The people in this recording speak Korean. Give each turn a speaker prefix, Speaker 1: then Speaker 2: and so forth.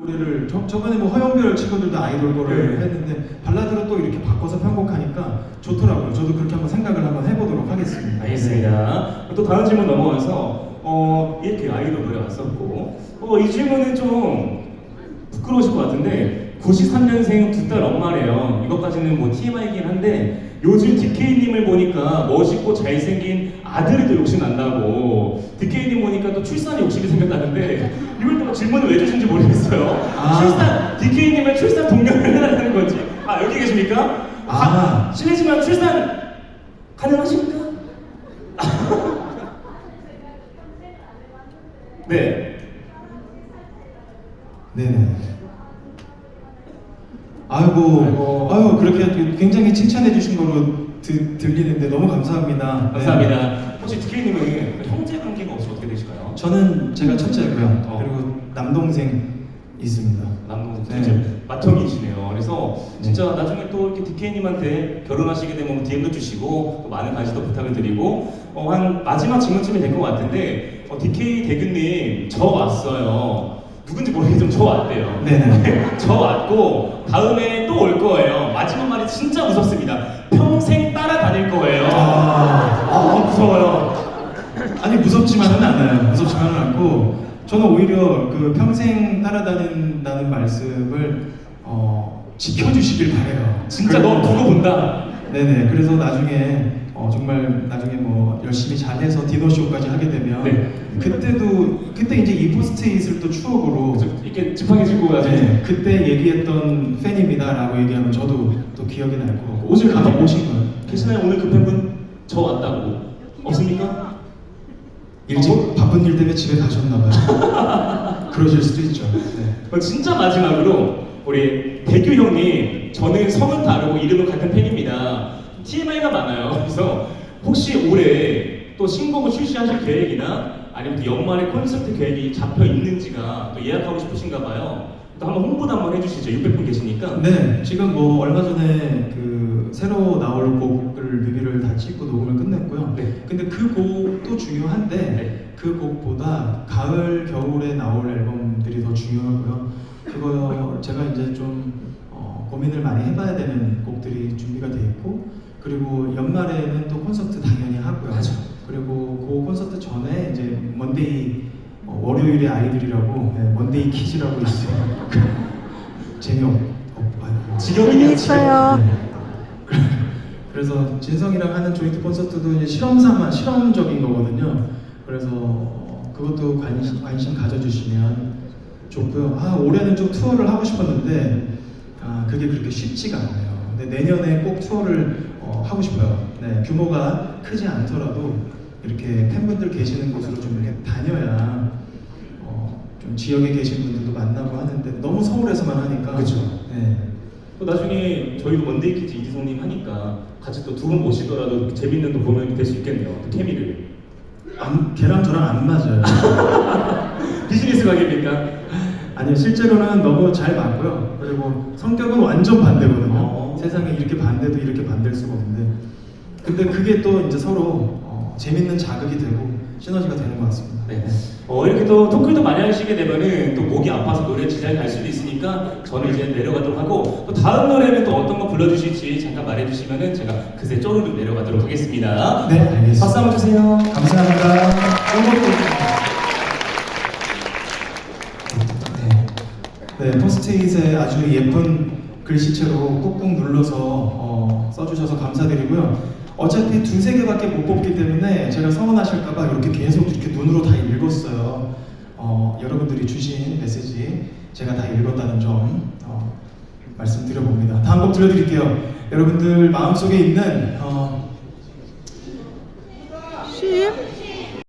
Speaker 1: 노래를 저번에 뭐 허영별 친구들도 아이돌 거를
Speaker 2: 네.
Speaker 1: 했는데 발라드로 또 이렇게 바꿔서 편곡하니까 좋더라고요. 저도 그렇게 한번 생각을 한번 해보도록 하겠습니다.
Speaker 2: 알겠습니다. 또 다음 질문 넘어가서 이렇게 아이돌 노래 왔었고 이 질문은 좀 부끄러우실 것 같은데 93년생 두 딸 엄마래요. 이것까지는 뭐 TMI이긴 한데 요즘 DK님을 보니까 멋있고 잘생긴 아들이 또 욕심 난다고 DK님 보니까 또 출산 욕심이 생겼다는데 이걸 또 질문을 왜 주신지 모르겠어요. 출산 DK님의 출산 동료를 해달라는 건지 여기 계십니까? 실례지만 출산 가능하십니까? 네.
Speaker 1: 네네. 아유 그렇게 굉장히 칭찬해 주신 거로 들리는데 너무 감사합니다.
Speaker 2: 감사합니다. 혹시 DK님은 형제 관계가 혹시 어떻게 되실까요?
Speaker 1: 저는 제가 첫째고요. 그리고 남동생 있습니다.
Speaker 2: 남동생
Speaker 1: 네.
Speaker 2: 맏형이시네요. 그래서 진짜 나중에 또 이렇게 DK님한테 결혼하시게 되면 DM도 주시고 또 많은 관심도 부탁을 드리고 한 마지막 질문쯤이 될 것 같은데 DK 대규님 저 왔어요. 누군지 모르겠지만 저 왔대요.
Speaker 1: 네네.
Speaker 2: 저 왔고 다음에 또 올 거예요. 마지막 말이 진짜 무섭습니다. 평생 따라다닐 거예요. 무서워요.
Speaker 1: 아니 무섭지만은 않아요. 무섭지만은 않고 저는 오히려 그 평생 따라다닌다는 말씀을 지켜주시길 바래요.
Speaker 2: 진짜 너 두고 본다.
Speaker 1: 네네. 그래서 나중에 정말 나중에 뭐 열심히 잘해서 디너쇼까지 하게 되면
Speaker 2: 네.
Speaker 1: 그때 이제 이 포스트잇을 또 추억으로
Speaker 2: 이렇게 지팡이 짚고 가서
Speaker 1: 네, 그때 얘기했던 팬입니다라고 얘기하면 저도 또 기억이 날 거고 오늘 가서 오신 거예요.
Speaker 2: 계시나요? 오늘 그 팬분 저 왔다고 없습니까?
Speaker 1: 일찍 바쁜 일 때문에 집에 가셨나 봐요. 그러실 수도 있죠. 네.
Speaker 2: 진짜 마지막으로 우리 대규 형님 저는 성은 다르고 이름은 같은 팬입니다. TMI가 많아요. 그래서 혹시 올해 또 신곡을 출시하실 계획이나 아니면 또 연말에 콘서트 계획이 잡혀 있는지가 또 예약하고 싶으신가 봐요. 또 한번 홍보도 한번 해주시죠. 600분 계시니까.
Speaker 1: 네, 지금 뭐 얼마 전에 그 새로 나올 곡을 뮤비를 다 찍고 녹음을 끝냈고요.
Speaker 2: 네.
Speaker 1: 근데 그 곡도 중요한데
Speaker 2: 네.
Speaker 1: 그 곡보다 가을, 겨울에 나올 앨범들이 더 중요하고요. 그거 제가 이제 좀 고민을 많이 해봐야 되는 곡들이 준비가 돼 있고 그리고 연말에는 또 콘서트 당연히 하고요.
Speaker 2: 맞아.
Speaker 1: 그리고 그 콘서트 전에 이제 먼데이 월요일의 아이들이라고 먼데이 키즈라고 있어요.
Speaker 2: 지겨우네요.
Speaker 3: 재미있어요.
Speaker 1: 네. 그래서 진성이랑 하는 조인트 콘서트도 이제 실험적인 거거든요. 그래서 그것도 관심 가져주시면 좋고요. 올해는 좀 투어를 하고 싶었는데 그게 그렇게 쉽지가 않아요. 근데 내년에 꼭 투어를 하고 싶어요. 네, 규모가 크지 않더라도 이렇게 팬분들 계시는 곳으로 좀 이렇게 다녀야 좀 지역에 계신 분들도 만나고 하는데 너무 서울에서만 하니까
Speaker 2: 그렇죠.
Speaker 1: 네.
Speaker 2: 또 나중에 저희도 먼데이 키즈 이지성님 하니까 같이 또 두 분 모시더라도 재밌는 또 공연이 될 수 있겠네요. 또 케미를.
Speaker 1: 걔랑 저랑 안 맞아요.
Speaker 2: 비즈니스 관계입니까?
Speaker 1: 아니요, 실제로는 너무 잘 맞고요. 그리고 성격은 완전 반대거든요. 세상에 이렇게 반대도 이렇게 반대일 수가 없는데 근데 그게 또 이제 서로 재밌는 자극이 되고 시너지가 되는 것 같습니다.
Speaker 2: 네. 이렇게 또 토크도 많이 하시게 되면은 또 목이 아파서 노래 지장이 갈 수도 있으니까 저는 이제 내려가도록 하고 또 다음 노래는 또 어떤 거 불러주실지 잠깐 말해주시면은 제가 그새 쪼르륵 내려가도록 하겠습니다.
Speaker 1: 네, 알겠습니다.
Speaker 2: 박수 한번 주세요.
Speaker 1: 감사합니다. 네, 포스트잇에 아주 예쁜 글씨체로 꾹꾹 눌러서 써주셔서 감사드리고요. 어차피 두세 개밖에 못 뽑기 때문에 제가 서운하실까봐 이렇게 계속 이렇게 눈으로 다 읽었어요. 여러분들이 주신 메시지 제가 다 읽었다는 점 말씀드려봅니다. 다음 곡 들려드릴게요. 여러분들 마음속에 있는